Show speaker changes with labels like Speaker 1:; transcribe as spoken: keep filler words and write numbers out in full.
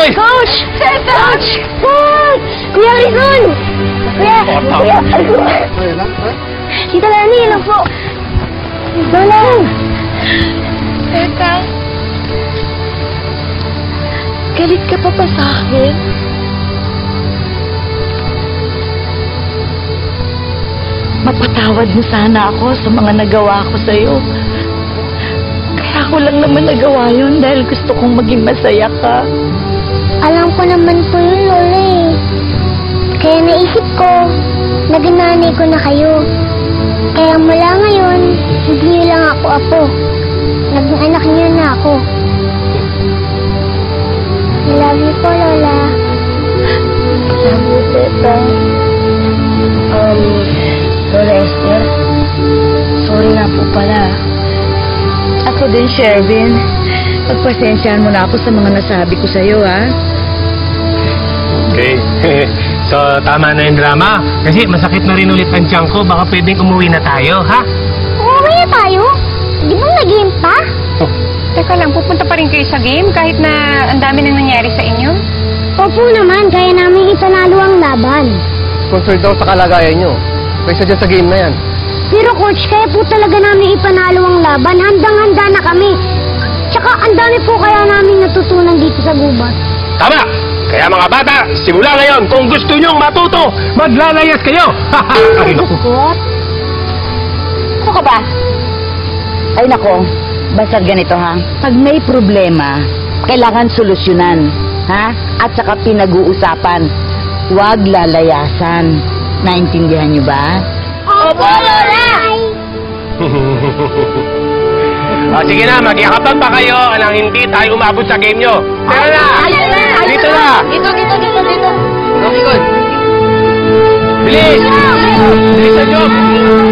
Speaker 1: Hoy!
Speaker 2: Coach! Coach! Coach! Kuya Rizon! Kuya! Kuya! Tita Lani, lang po. Lola! Teka. Galit ka pa pa sa akin? Mapatawad mo sana ako sa mga nagawa ko sa'yo. Kaya ko lang naman nagawa yun dahil gusto kong maging masaya ka.
Speaker 3: Alam ko naman po yun, Lola eh. Kaya naisip ko, nagnanay ko na kayo. Kaya mula ngayon, hindi niyo lang ako apo. Naging anak niyo na ako. I love you po, Lola.
Speaker 2: Love you, Teta. Um, Lola Esther, sorry nga po pala. Ako din, Shervin. Pagpasensyahan mo na ako sa mga nasabi ko sa'yo, ha?
Speaker 1: Okay. So, tama na yung drama. Kasi masakit na rin ulit ang tiyan ko. Baka pwedeng umuwi na tayo, ha?
Speaker 3: Umuwi na tayo? Di ba nag-game pa?
Speaker 1: Oh.
Speaker 4: Teka lang, pupunta pa rin kayo sa game kahit na ang dami nang nangyari sa inyo?
Speaker 3: Opo naman, kaya namin ipanalo ang laban.
Speaker 5: Concerned daw sa kalagayan nyo. Kaysa dyan sa game na yan.
Speaker 3: Pero coach, kaya po talaga namin ipanalo ang laban. Handang-handa na kami. Tsaka ang dami po kaya namin natutunan dito sa gubat.
Speaker 1: Tama! Kaya mga bata, simula ngayon, kung gusto nyong matuto, maglalayas kayo! Ay, naku.
Speaker 2: What? Ano ka ba? Ay, nako. Basta ganito, ha? Pag may problema, kailangan solusyonan, ha? At saka pinag-uusapan. Huwag lalayasan. Naintindihan niyo ba?
Speaker 3: Opo, Lola!
Speaker 1: O, sige na, magyakapan pa kayo nang hindi tayo umabot sa game nyo. Tara na! Dito na!
Speaker 2: Dito, dito, dito, dito.
Speaker 1: Okay, good. Bilis! Bilisan nyo!